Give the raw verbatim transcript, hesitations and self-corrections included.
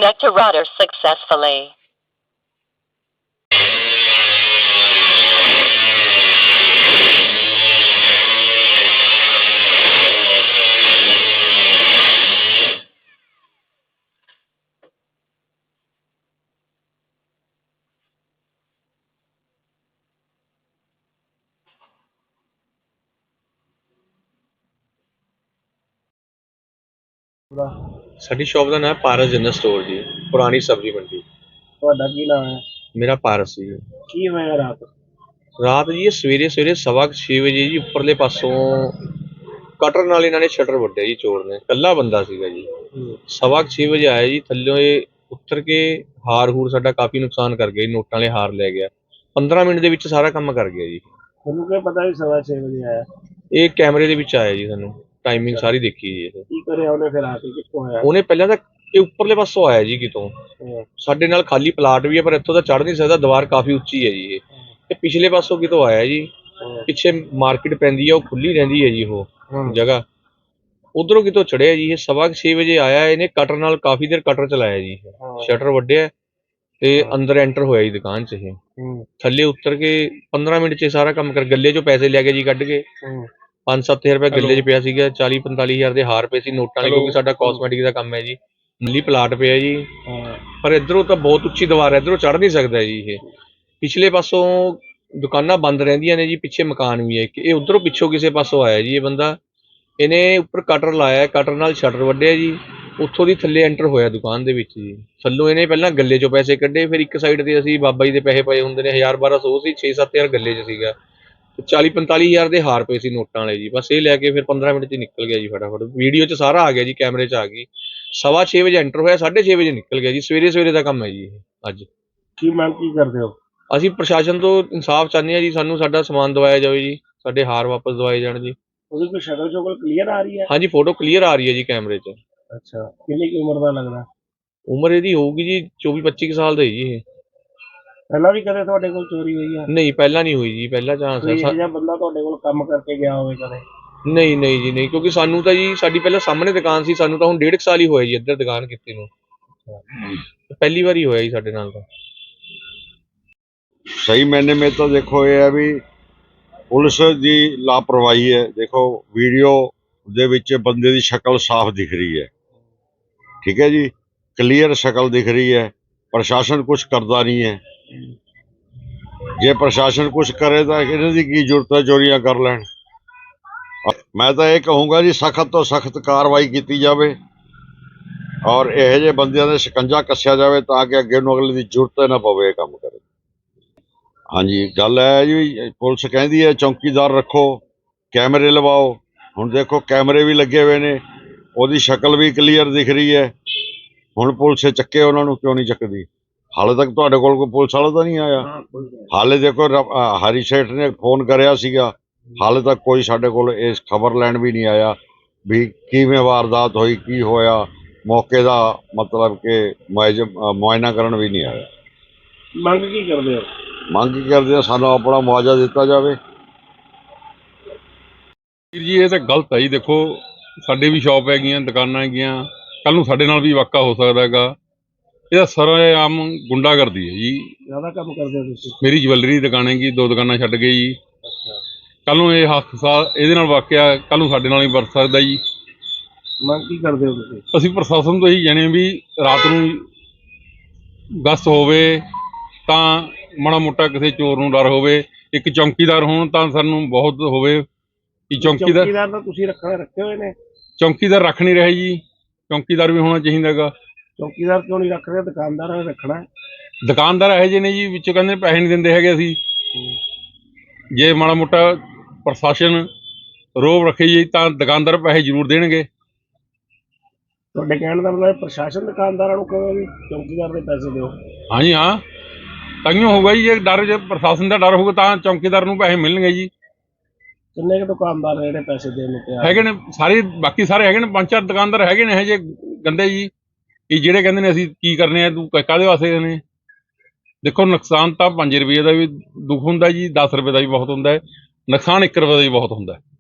Connect to router successfully. ਸਾਡੀ shop ਦਾ ਨਾਮ ਪਾਰਸ ਜਨਰਲ ਸਟੋਰ ਜੀ, ਪੁਰਾਣੀ ਸਬਜ਼ੀ ਮੰਡੀ। ਤੁਹਾਡਾ ਕੀ ਨਾਮ ਹੈ? ਮੇਰਾ ਪਾਰਸ ਜੀ। ਕੀ ਹੋਇਆ ਰਾਤ? ਰਾਤ ਜੀ ਇਹ ਸਵੇਰੇ ਸਵੇਰੇ ਸਵਾ ਕੁ ਛੇ ਵਜੇ ਜੀ ਉੱਪਰਲੇ ਪਾਸੋਂ ਕਟਰ ਨਾਲ ਇਹਨਾਂ ਨੇ ਸ਼ਟਰ ਵੱਢਿਆ ਜੀ, ਚੋਰ ਨੇ। ਇਕੱਲਾ ਬੰਦਾ ਸੀਗਾ ਜੀ। ਸਵਾ ਕੁ ਛੇ ਵਜੇ ਆਇਆ ਜੀ, ਥੱਲਿਓਂ ਇਹ ਉੱਤਰ ਕੇ ਹਾਰ ਹੂਰ ਸਾਡਾ ਕਾਫੀ ਨੁਕਸਾਨ ਕਰ ਗਿਆ ਜੀ, ਨੋਟਾਂ ਵਾਲੇ ਹਾਰ ਲੈ ਗਿਆ। ਪੰਦਰਾਂ ਮਿੰਟ ਦੇ ਵਿੱਚ ਸਾਰਾ ਕੰਮ ਕਰ ਗਿਆ ਜੀ। ਤੁਹਾਨੂੰ ਕੀ ਪਤਾ ਵੀ ਸਵਾ ਛੇ ਵਜੇ ਆਇਆ? ਇਹ ਕੈਮਰੇ ਦੇ ਵਿੱਚ ਆਇਆ ਜੀ, ਸਾਨੂੰ ਟਾਈਮਿੰਗ ਸਾਰੀ ਦੇਖੀ ਜੀ। ਇਹ ਕੀ ਕਰਿਆ ਉਹਨੇ ਫਿਰ ਆ ਕੇ? ਕਿੱਥੋਂ ਆਇਆ ਉਹਨੇ? ਪਹਿਲਾਂ ਤਾਂ ਇਹ ਉੱਪਰਲੇ ਪਾਸੋਂ ਆਇਆ ਜੀ ਕਿਤੋਂ। ਸਾਡੇ ਨਾਲ ਖਾਲੀ ਪਲਾਟ ਵੀ ਹੈ ਪਰ ਇੱਥੋਂ ਤਾਂ ਚੜ੍ਹ ਨਹੀਂ ਸਕਦਾ, ਦੀਵਾਰ ਕਾਫੀ ਉੱਚੀ ਹੈ ਜੀ। ਇਹ ਤੇ ਪਿਛਲੇ ਪਾਸੋਂ ਕਿਤੋਂ ਆਇਆ ਜੀ। ਪਿੱਛੇ ਮਾਰਕੀਟ ਪੈਂਦੀ ਹੈ, ਉਹ ਖੁੱਲੀ ਰਹਿੰਦੀ ਹੈ ਜੀ ਉਹ ਜਗ੍ਹਾ। ਉਧਰੋਂ ਕਿਤੋਂ ਚੜਿਆ ਜੀ। ਇਹ ਸਵਾ ਛੇ ਵਜੇ ਆਇਆ, ਇਹਨੇ ਕਟਰ ਨਾਲ ਕਾਫੀ ਦੇਰ ਕਟਰ ਚਲਾਇਆ ਜੀ, ਸ਼ਟਰ ਵੱਢਿਆ ਤੇ ਅੰਦਰ ਐਂਟਰ ਹੋਇਆ ਜੀ ਦੁਕਾਨ 'ਚ। ਇਹ ਥੱਲੇ ਉਤਰ ਕੇ ਪੰਦਰਾਂ ਮਿੰਟ 'ਚ ਸਾਰਾ ਕੰਮ ਕਰ, ਗੱਲੇ 'ਚੋਂ ਪੈਸੇ ਲੈ ਕੇ ਜੀ ਕੱਢ ਕੇ। ਪੰਜ ਸੱਤ ਹਜ਼ਾਰ ਰੁਪਇਆ ਗੱਲੇ 'ਚ ਪਿਆ ਸੀਗਾ, ਚਾਲੀ ਪੰਤਾਲੀ ਹਜ਼ਾਰ ਦੇ ਹਾਰ ਪਏ ਸੀ ਨੋਟਾਂ ਵਾਲੇ, ਕਿਉਂਕਿ ਸਾਡਾ ਕਾਸਮੈਟਿਕ ਦਾ ਕੰਮ ਹੈ ਜੀ। ਨੀਲੀ ਪਲਾਟ ਪਿਆ ਜੀ, ਪਰ ਇੱਧਰੋਂ ਤਾਂ ਬਹੁਤ ਉੱਚੀ ਦੀਵਾਰ ਹੈ, ਇੱਧਰੋਂ ਚੜ੍ਹ ਨਹੀਂ ਸਕਦਾ ਜੀ ਇਹ। ਪਿਛਲੇ ਪਾਸੋਂ ਦੁਕਾਨਾਂ ਬੰਦ ਰਹਿੰਦੀਆਂ ਨੇ ਜੀ, ਪਿੱਛੇ ਮਕਾਨ ਵੀ ਹੈ। ਇਹ ਉੱਧਰੋਂ ਪਿੱਛੋਂ ਕਿਸੇ ਪਾਸੋਂ ਆਇਆ ਜੀ ਇਹ ਬੰਦਾ। ਇਹਨੇ ਉੱਪਰ ਕਟਰ ਲਾਇਆ, ਕਟਰ ਨਾਲ ਸ਼ਟਰ ਵੱਢਿਆ ਜੀ, ਉੱਥੋਂ ਦੀ ਥੱਲੇ ਐਂਟਰ ਹੋਇਆ ਦੁਕਾਨ ਦੇ ਵਿੱਚ ਜੀ। ਥੱਲੋਂ ਇਹਨੇ ਪਹਿਲਾਂ ਗੱਲੇ 'ਚੋਂ ਪੈਸੇ ਕੱਢੇ, ਫਿਰ ਇੱਕ ਸਾਈਡ 'ਤੇ ਅਸੀਂ ਬਾਬਾ ਜੀ ਦੇ ਪੈਸੇ ਪਏ ਹੁੰਦੇ ਨੇ, ਹਜ਼ਾਰ ਬਾਰਾਂ ਸੌ ਸੀ, ਛੇ ਸੱਤ ਹਜ਼ਾਰ ਗੱਲੇ 'ਚ ਸੀਗਾ, ਚਾਲੀ ਪੰਤਾਲੀ ਹਜ਼ਾਰ ਦੇ ਹਾਰ ਪਏ ਸੀ ਨੋਟਾਂ ਵਾਲੇ ਜੀ। ਬਸ ਇਹ ਲੈ ਕੇ ਫਿਰ ਪੰਦਰਾਂ ਮਿੰਟ 'ਚ ਨਿਕਲ ਗਿਆ ਜੀ ਫਟਾਫਟ। ਵੀਡੀਓ 'ਚ ਸਾਰਾ ਆ ਗਿਆ ਜੀ, ਕੈਮਰੇ 'ਚ ਆ ਗਈ। ਸਵਾ ਛੇ ਵਜੇ ਐਂਟਰ ਹੋਇਆ, ਸਾਢੇ ਛੇ ਵਜੇ ਨਿਕਲ ਗਿਆ ਜੀ। ਸਵੇਰੇ ਸਵੇਰੇ ਦਾ ਕੰਮ ਹੈ ਜੀ ਇਹ। ਅੱਜ ਕੀ ਮੰਗ ਕੀ ਕਰਦੇ ਹੋ? ਅਸੀਂ ਪ੍ਰਸ਼ਾਸਨ ਤੋਂ ਇਨਸਾਫ ਚਾਹੁੰਦੇ ਹਾਂ ਜੀ, ਸਾਨੂੰ ਸਾਡਾ ਸਮਾਨ ਦਵਾਇਆ ਜਾਵੇ ਜੀ, ਸਾਡੇ ਹਾਰ ਵਾਪਸ ਦਵਾਏ ਜਾਣ ਜੀ। ਉਹਦੀ ਕੋਈ ਸ਼ਕਲ ਸ਼ੁਕਲ ਕਲੀਅਰ ਆ ਰਹੀ ਹੈ? ਹਾਂਜੀ, ਫੋਟੋ ਕਲੀਅਰ ਆ ਰਹੀ ਹੈ ਜੀ ਕੈਮਰੇ 'ਚ। ਅੱਛਾ, ਕਿੰਨੀ ਕੁ ਉਮਰ ਦਾ ਲੱਗਦਾ? ਉਮਰ ਇਹਦੀ ਹੋਊਗੀ ਜੀ ਚੌਵੀ ਪੱਚੀ ਕੁ ਸਾਲ ਦਾ ਜੀ ਇਹ। ਪਹਿਲਾਂ ਵੀ ਕਦੇ ਤੁਹਾਡੇ ਕੋਲ ਚੋਰੀ ਹੋਈ ਹੈ? ਨਹੀਂ, ਪਹਿਲਾਂ ਨਹੀਂ ਹੋਈ ਜੀ, ਪਹਿਲਾ ਚਾਂਸ ਹੈ। ਕੋਈ ਇਹੋ ਜਿਹਾ ਬੰਦਾ ਤੁਹਾਡੇ ਕੋਲ ਕੰਮ ਕਰਕੇ ਗਿਆ ਹੋਵੇ ਕਦੇ? ਨਹੀਂ ਨਹੀਂ ਜੀ ਨਹੀਂ, ਕਿਉਂਕਿ ਸਾਨੂੰ ਤਾਂ ਜੀ ਸਾਡੀ ਪਹਿਲਾਂ ਸਾਹਮਣੇ ਦੁਕਾਨ ਸੀ, ਸਾਨੂੰ ਤਾਂ ਹੁਣ ਡੇਢ ਕੁ ਸਾਲ ਹੀ ਹੋਇਆ ਜੀ ਇੱਧਰ ਦੁਕਾਨ ਕੀਤੀ ਨੂੰ। ਪਹਿਲੀ ਵਾਰੀ ਹੋਇਆ ਜੀ ਸਾਡੇ ਨਾਲ ਤਾਂ। सही मैंने में तो देखो ये है भी पुलिस की लापरवाही है। देखो वीडियो दे विच बंदे की शक्ल साफ दिख रही है, ठीक है जी, क्लीयर शक्ल दिख रही है। प्रशासन कुछ करता नहीं है। जे प्रशासन कुछ करे तो इन्हां दी की जरूरत है चोरियां कर लैण। मैं तो ये कहूँगा जी सख्त तो सख्त कार्रवाई की जाए और यह जे बंदियां दे शिकंजा कस्या जाए ताकि अगे नूं अगले की जरूरत ना पवे काम करे। हाँ जी, गल है जी, पुलिस कहती है चौकीदार रखो, कैमरे लवाओ। हुण देखो कैमरे भी लगे हुए ने, ओदी शक्ल भी क्लीयर दिख रही है। हुण पुलिस चक्के उन्होंने क्यों नहीं चकदी? हाले तक तुहाडे कोल कोई पुलिस वाला तो नहीं आया। हाले देखो हरी सेठ ने फोन करया सीगा, हाले तक कोई साडे कोल इस खबर लैण भी नहीं आया भी किवें वारदात होई, की होया, मौके दा मतलब कि मुआयना करन भी नहीं आया। ਮੰਗ ਕੀ ਕਰਦੇ ਹੋ? ਮੰਗ ਕੀ ਕਰਦੇ ਆ, ਸਾਨੂੰ ਆਪਣਾ ਮੁਆਵਜ਼ਾ ਦਿੱਤਾ ਜਾਵੇ। ਵੀਰ ਜੀ ਇਹ ਤਾਂ ਗਲਤ ਹੈ ਜੀ। ਦੇਖੋ ਸਾਡੇ ਵੀ ਸ਼ੌਪ ਹੈਗੀਆਂ, ਦੁਕਾਨਾਂ ਹੈਗੀਆਂ, ਕੱਲ ਨੂੰ ਸਾਡੇ ਨਾਲ ਵੀ ਵਾਕਾ ਹੋ ਸਕਦਾ ਹੈਗਾ। ਇਹਦਾ ਸਰੇਆਮ ਗੁੰਡਾਗਰਦੀ ਹੈ ਜੀ। ਜ਼ਿਆਦਾ ਕੰਮ ਕਰਦੇ ਹੋ ਤੁਸੀਂ? ਮੇਰੀ ਜਵੈਲਰੀ ਦੀ ਦੁਕਾਨ ਹੈਗੀ, ਦੋ ਦੁਕਾਨਾਂ ਛੱਡ ਗਈ ਜੀ। ਕੱਲ ਨੂੰ ਇਹ ਹਾਦਸਾ ਇਹਦੇ ਨਾਲ ਵਾਕਿਆ ਕੱਲ ਨੂੰ ਸਾਡੇ ਨਾਲ ਹੀ ਵਰਤ ਸਕਦਾ ਜੀ। ਮੰਗ ਕੀ ਕਰਦੇ ਹੋ ਤੁਸੀਂ? ਅਸੀਂ ਪ੍ਰਸ਼ਾਸਨ ਤੋਂ ਇਹੀ ਜਾਣੇ ਵੀ ਰਾਤ ਨੂੰ ਗਸ਼ਤ ਹੋਵੇ ਤਾਂ ਮਾੜਾ ਮੋਟਾ ਕਿਸੇ ਚੋਰ ਨੂੰ ਡਰ ਹੋਵੇ। ਇੱਕ ਚੌਕੀਦਾਰ ਹੋਣ ਤਾਂ ਸਾਨੂੰ ਬਹੁਤ ਹੋਵੇ ਕਿ ਚੌਕੀਦਾਰ ਚੌਕੀਦਾਰ ਤਾਂ ਤੁਸੀਂ ਰੱਖਣੇ ਰੱਖੇ ਹੋਏ ਨੇ? ਚੌਕੀਦਾਰ ਰੱਖ ਨਹੀਂ ਰਹੇ ਜੀ, ਚੌਕੀਦਾਰ ਵੀ ਹੋਣਾ ਚਾਹੀਦਾ ਹੈਗਾ। ਚੌਕੀਦਾਰ ਕਿਉਂ ਨਹੀਂ ਰੱਖ ਰਹੇ? ਦੁਕਾਨਦਾਰਾਂ ਨੇ ਰੱਖਣਾ ਹੈ। ਦੁਕਾਨਦਾਰ ਇਹੋ ਜਿਹੇ ਨੇ ਜੀ, ਵਿੱਚੋਂ ਕਹਿੰਦੇ ਪੈਸੇ ਨਹੀਂ ਦਿੰਦੇ ਹੈਗੇ। ਅਸੀਂ ਜੇ ਮਾੜਾ ਮੋਟਾ ਪ੍ਰਸ਼ਾਸਨ ਰੋਬ ਰੱਖੇ ਜੀ ਤਾਂ ਦੁਕਾਨਦਾਰ ਪੈਸੇ ਜ਼ਰੂਰ ਦੇਣਗੇ। ਤੁਹਾਡੇ ਕਹਿਣ ਦਾ ਮਤਲਬ ਪ੍ਰਸ਼ਾਸਨ ਦੁਕਾਨਦਾਰਾਂ ਨੂੰ ਕਹੇ ਵੀ ਚੌਕੀਦਾਰ ਦੇ ਪੈਸੇ ਦਿਓ? ਹਾਂਜੀ ਹਾਂ, ਤਾਂਹੀਓ ਹੋਊਗਾ ਜੀ। ਜੇ ਡਰ, ਜੇ ਪ੍ਰਸ਼ਾਸਨ ਦਾ ਡਰ ਹੋਊਗਾ ਤਾਂ ਚੌਕੀਦਾਰ ਨੂੰ ਪੈਸੇ ਮਿਲਣਗੇ ਜੀ। ਕਿੰਨੇ ਕੁ ਦੁਕਾਨਦਾਰ ਨੇ ਜਿਹੜੇ ਪੈਸੇ ਦੇਣ ਨੂੰ ਤਿਆਰ ਹੈਗੇ ਨੇ ਸਾਰੇ, ਬਾਕੀ ਸਾਰੇ ਹੈਗੇ ਨੇ, ਪੰਜ ਚਾਰ ਦੁਕਾਨਦਾਰ ਹੈਗੇ ਨੇ ਇਹੋ ਜਿਹੇ ਗੰਦੇ ਜੀ ਕਿ ਜਿਹੜੇ ਕਹਿੰਦੇ ਨੇ ਅਸੀਂ ਕੀ ਕਰਨੇ ਆ, ਤੂੰ ਕਾਹਦੇ ਵਾਸਤੇ ਨੇ। ਦੇਖੋ ਨੁਕਸਾਨ ਤਾਂ ਪੰਜ ਰੁਪਏ ਦਾ ਵੀ ਦੁੱਖ ਹੁੰਦਾ ਜੀ, ਦਸ ਰੁਪਏ ਦਾ ਵੀ ਬਹੁਤ ਹੁੰਦਾ ਹੈ, ਨੁਕਸਾਨ ਇੱਕ ਰੁਪਏ ਦਾ ਵੀ ਬਹੁਤ ਹੁੰਦਾ ਹੈ।